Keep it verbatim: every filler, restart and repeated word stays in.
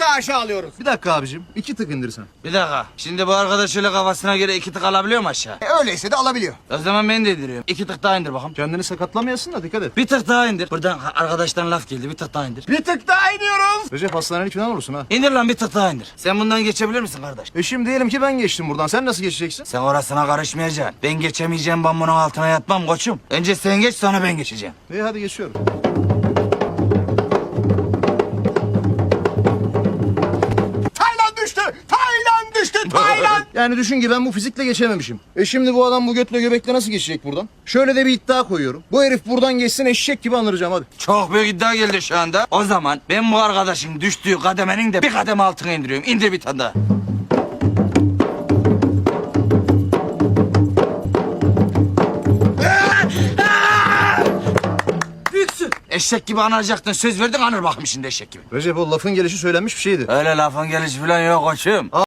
aşağı alıyoruz. Bir dakika abicim. iki tık indirsen. Bir dakika. Şimdi bu arkadaş şöyle kafasına göre iki tık alabiliyor mu aşağı? E, öyleyse de alabiliyor. O zaman ben de indiriyorum. İki tık daha indir bakalım. Kendini sakatlamayasın da dikkat et. Bir tık daha indir. Buradan arkadaştan laf geldi. Bir tık daha indir. Bir tık daha iniyoruz. Recep hastanelik falan olursun ha. İndir lan bir tık daha indir. Sen bundan geçebilir misin kardeş? E şimdi diyelim ki ben geçtim buradan. Sen nasıl geçeceksin? Sen orasına karışmayacaksın. Ben geçemeyeceğim, ben bunun altına yatmam koçum. Önce sen geç, sonra ben geçeceğim. İyi hadi geçiyorum. Taylan düştü. Taylan düştü. Taylan. Yani düşün ki ben bu fizikle geçememişim. E şimdi bu adam bu götle göbekle nasıl geçecek buradan? Şöyle de bir iddia koyuyorum. Bu herif buradan geçsin eşek gibi anıracağım hadi. Çok büyük iddia geldi şu anda. O zaman ben bu arkadaşın düştüğü kademenin de bir kademe altına indiriyorum. İndir bir tane daha. Büyüksün. Eşek gibi anacaktın. Söz verdin, anır bakayım şimdi eşek gibi. Recep o lafın gelişi söylenmiş bir şeydi. Öyle lafın gelişi falan yok koçum.